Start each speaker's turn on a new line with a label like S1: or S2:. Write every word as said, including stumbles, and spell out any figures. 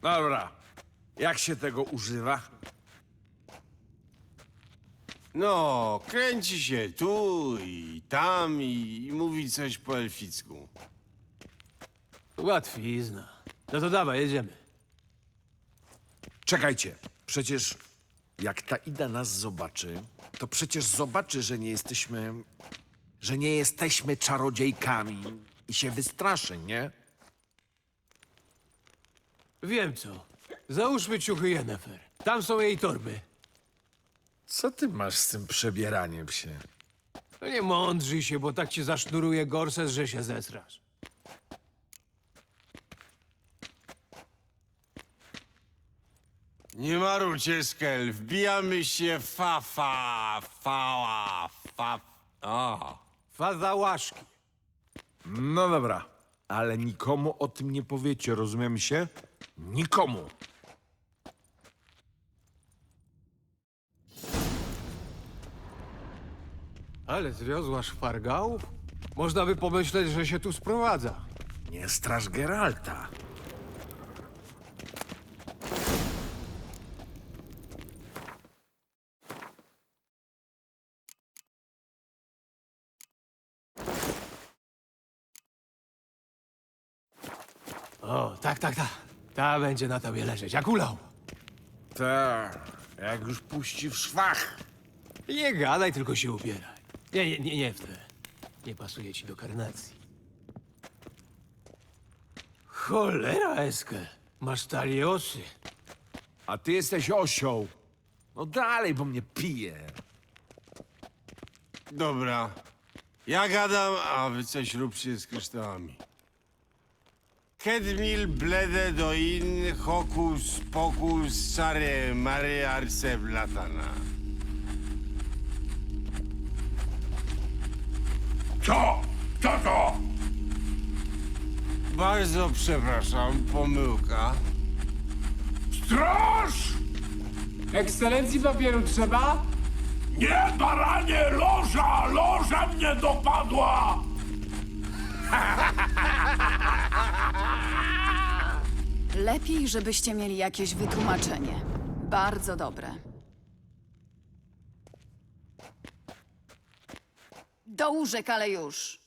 S1: Dobra. Jak się tego używa?
S2: No, kręci się tu i tam i, i mówi coś po elficku.
S3: Łatwizna. No to dawaj, jedziemy.
S1: Czekajcie. Przecież jak ta Ida nas zobaczy, to przecież zobaczy, że nie jesteśmy... że nie jesteśmy czarodziejkami i się wystraszy, nie?
S3: Wiem co. Załóżmy ciuchy Yennefer. Tam są jej torby.
S1: Co ty masz z tym przebieraniem się?
S3: No nie mądrzyj się, bo tak ci zasznuruje gorset, że się zesrasz.
S2: Nie marujcie, Skel, wbijamy się fa, fa, fała, fa... O,
S3: Fazałaszki.
S1: No dobra, ale nikomu o tym nie powiecie, rozumiem się? Nikomu.
S3: Ale zwiozła szpargałów? Można by pomyśleć, że się tu sprowadza.
S1: Nie straż Geralta.
S3: O, tak, tak, tak. Ta będzie na tobie leżeć, jak ulał.
S1: Tak, jak już puści w szwach.
S3: Nie gadaj, tylko się ubieraj. Nie, nie, nie, nie w te. Nie pasuje ci do karnacji. Cholera, Eskel. Masz taliosy.
S1: A ty jesteś osioł. No dalej, bo mnie pije.
S2: dobra. Ja gadam, a wy coś róbcie z kryształami. Kedmil blede do in hokus pokus sare mare arse blatana.
S4: Co? Co to?
S2: Bardzo przepraszam, pomyłka.
S4: Straż!
S5: Ekscelencji papieru trzeba?
S4: Nie, baranie, loża! Loża mnie dopadła!
S6: Lepiej, żebyście mieli jakieś wytłumaczenie. Bardzo dobre. Do łóżek, ale już.